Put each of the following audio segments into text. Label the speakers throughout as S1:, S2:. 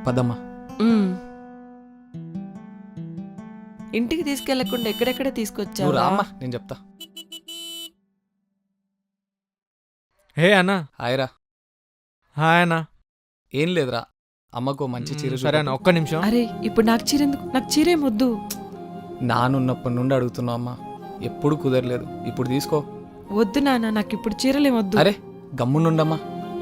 S1: పదమ్మా.
S2: ఇంటికి తీసుకెళ్లకుండా ఎక్కడెక్కడ
S1: నువ్వు
S2: తీసుకొచ్చావు
S1: రామ్మా, నేను చెప్తా.
S3: హే అన్న.
S1: హాయ్ రా.
S3: హాయ్ అన్న.
S1: ఏం లేదురా, అమ్మకు మంచి చీర
S3: సరే అన్న, ఒక్క నిమిషం.
S2: అరే ఇప్పుడు నాకు చీర ఎందుకు? నాకు చీరేం వద్దు.
S1: నానున్నప్పటి నుండి అడుగుతున్నావు అమ్మా, ఎప్పుడు కుదరలేదు. ఇప్పుడు తీసుకో.
S2: వద్దు నాన్న, నాకు ఇప్పుడు చీరలేం వద్దు.
S1: అరే గమ్మునుండమ్మా.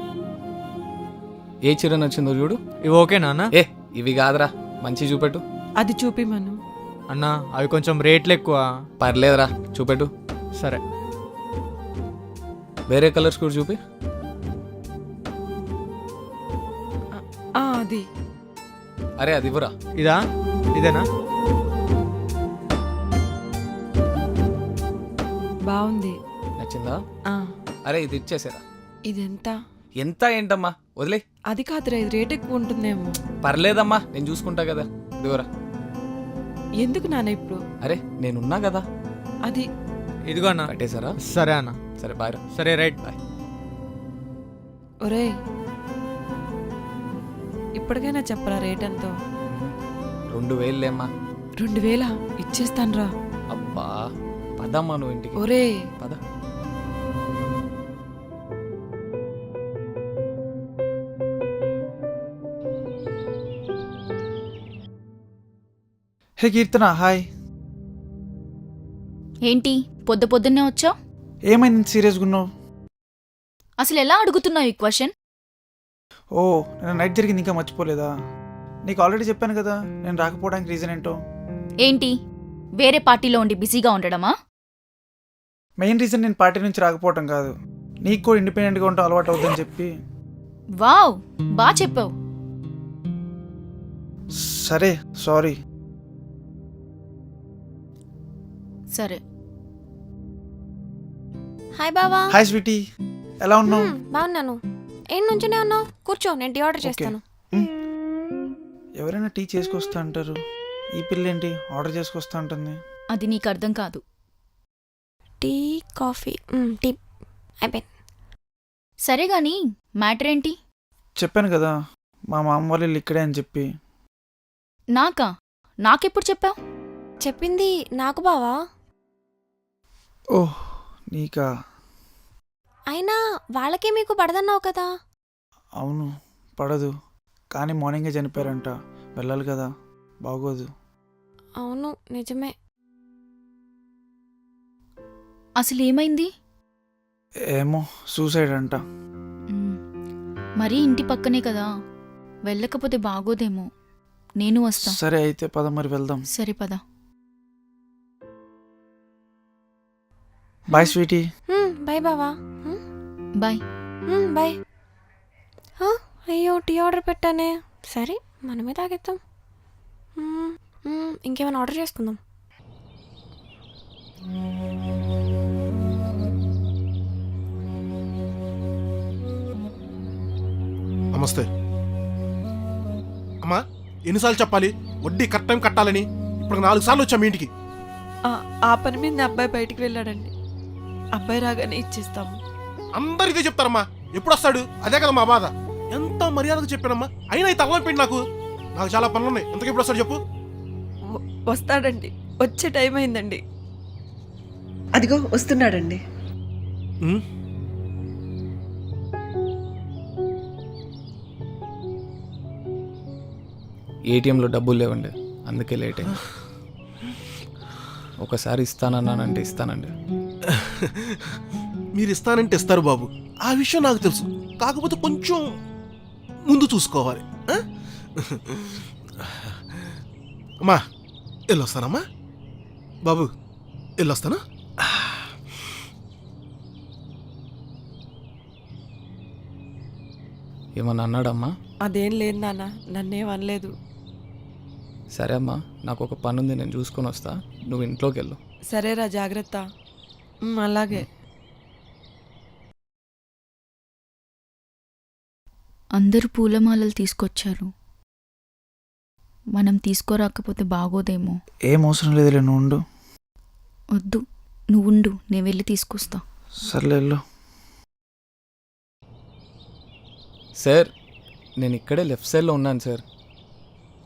S1: ఏ చీర నచ్చిందో చూడు.
S3: ఇవి ఓకేనా అన్న?
S1: ఏ ఇవి కాదురా, మంచి చూపెట్టు.
S2: అది చూపిమను.
S3: అన్న అవి కొంచెం రేట్లు ఎక్కువ.
S1: పర్లేదురా, చూపెట్టు.
S3: సరే.
S1: వేరే కలర్స్ కూడా చూపి.
S2: అది
S1: అరే అది ఇవ్వరా.
S3: ఇదా? ఇదేనా?
S2: బాగుంది.
S1: నచ్చిందా?
S2: ఆ,
S1: అరే ఇది ఇచ్చేసారా.
S2: ఇదెంత?
S1: ఎంత ఏంటమ్మా, వదిలే.
S2: అది కాదురా, ఇది రేట్ ఎక్కువ ఉంటుందేమో.
S1: పర్లేదమ్మా, నేను చూసుకుంటా కదా. ఇదిగోరా.
S2: ఎందుకు నాన్న ఇప్పుడు?
S1: అరే నేనున్నా కదా.
S2: అది
S3: ఇదిగో అన్న.
S1: కట్టేశారా?
S3: సరే అన్న.
S1: సరే బాయ్ రా.
S3: సరే రైట్.
S1: బాయ్.
S2: ఒరేయ్, ఇప్పటికైనా చెప్పరా రేట్ ఎంతో?
S1: 2000 లేమ్మా.
S2: 2000 ఇచ్చేస్తాన్రా.
S1: అబ్బా పదమ్మా నువ్వు ఇంటికి.
S2: ఒరే
S1: పద.
S4: Hey Keerthana, hi.
S5: ఏంటి పొద్దున్నే వచ్చావు?
S4: ఏమైంది సీరియస్గా ఉన్నావు?
S5: అసలు ఎలా అడుగుతున్నావు ఈ క్వశ్చన్?
S4: ఓ, నేను నైట్ జరిగింది ఇంకా మర్చిపోలేదా? నీకు ఆల్రెడీ చెప్పాను కదా నేను రాకపోవడానికి రీజన్ ఏంటో.
S5: ఏంటి వేరే పార్టీలో ఉండి బిజీగా ఉండడమా?
S4: మెయిన్ రీజన్ నేను పార్టీ నుంచి రాకపోవటం కాదు, నీకు కూడా ఇండిపెండెంట్గా ఉండటం అలవాటు అవుతుందని చెప్పి.
S5: వావ్, బా చెప్పావు.
S4: సరే సారీ.
S5: సరే.
S6: హాయ్ బావా.
S4: హాయ్ స్వీటీ, ఎలా ఉన్నావు?
S6: బాగున్నాను. ఏం నుంచునే ఉన్నావు? కూర్చో, నేను టీ ఆర్డర్ చేస్తాను.
S4: ఎవరైనా టీ చేసుకొస్తా అంటారు, ఈ పిల్ల ఏంటి ఆర్డర్ చేసుకొస్తా అంటుంది?
S5: అది నీకు అర్థం కాదు.
S6: టీ, కాఫీ, టీ అయిపోయింది.
S5: సరే గాని మ్యాటర్ ఏంటి?
S4: చెప్పాను కదా మా మామ వాళ్ళు ఇల్లు ఇక్కడే అని చెప్పి.
S5: నాకెప్పుడు చెప్పావు?
S6: చెప్పింది నాకు బావా.
S4: ఓహ్ నీకా?
S6: అయినా వాళ్ళకే మీకు పడదన్నావు కదా.
S4: అవును పడదు, కానీ మార్నింగే చనిపోయారంట, వెళ్ళాలి కదా, బాగోదు.
S6: అవును నిజమే.
S5: అసలు ఏమైంది?
S4: ఏమో సూసైడ్ అంట.
S5: మరీ ఇంటి పక్కనే కదా, వెళ్ళకపోతే బాగోదేమో. నేను వస్తా.
S4: సరే అయితే పద మరి వెళ్దాం.
S5: సరే పద.
S4: Bye sweetie.
S6: బాయ్ బావా.
S5: బాయ్.
S6: బాయ్. అయ్యో టీ ఆర్డర్ పెట్టానే. సరే మనమే తాగేద్దాం. ఇంకేమైనా ఆర్డర్ చేసుకుందాం.
S7: నమస్తే అమ్మా. ఎన్నిసార్లు చెప్పాలి వడ్డీ కరెక్ట్ టైం కట్టాలని? ఇప్పుడు 4 సార్లు వచ్చా మీ ఇంటికి.
S2: ఆ పని మీద అబ్బాయి బయటికి వెళ్ళాడండి. అబ్బాయి రాగానే ఇచ్చేస్తాము.
S7: అందరు ఇదే చెప్తారమ్మా, ఎప్పుడు వస్తాడు? అదే కదా మా బాధ. ఎంత మర్యాదగా చెప్పానమ్మా, అయినా ఈ తలనొప్పి నాకు చాలా పనులు ఉన్నాయి. ఎంతకు ఎప్పుడు వస్తాడు చెప్పు?
S2: వస్తాడండి, వచ్చే టైం అయిందండి. అదిగో వస్తున్నాడండి.
S1: ఏటీఎంలో డబ్బులు లేవండి, అందుకే లేట్ అయింది. ఒకసారి ఇస్తానన్నానంటే ఇస్తానండి.
S7: మీరు ఇస్తానంటే ఇస్తారు బాబు, ఆ విషయం నాకు తెలుసు. కాకపోతే కొంచెం ముందు చూసుకోవాలి. అమ్మా వెళ్ళొస్తానమ్మా. బాబు వెళ్ళొస్తానా?
S1: ఏమన్నా అన్నాడమ్మా?
S2: అదేం లేదు నాన్న, నన్నేం అనలేదు.
S1: సరే అమ్మా, నాకు ఒక పని ఉంది, నేను చూసుకొని వస్తా, నువ్వు ఇంట్లోకి వెళ్ళు.
S2: సరేరా, జాగ్రత్త. అలాగే.
S5: అందరూ పూలమాలలు తీసుకొచ్చారు, మనం తీసుకోరాకపోతే బాగోదేమో.
S4: ఏం అవసరం లేదులే, నువ్వు ఉండు.
S5: వద్దు, నువ్వుండు, నేను వెళ్ళి తీసుకొస్తా.
S4: సర్లే వెళ్ళు.
S1: సార్ నేను ఇక్కడే లెఫ్ట్ సైడ్లో ఉన్నాను సార్.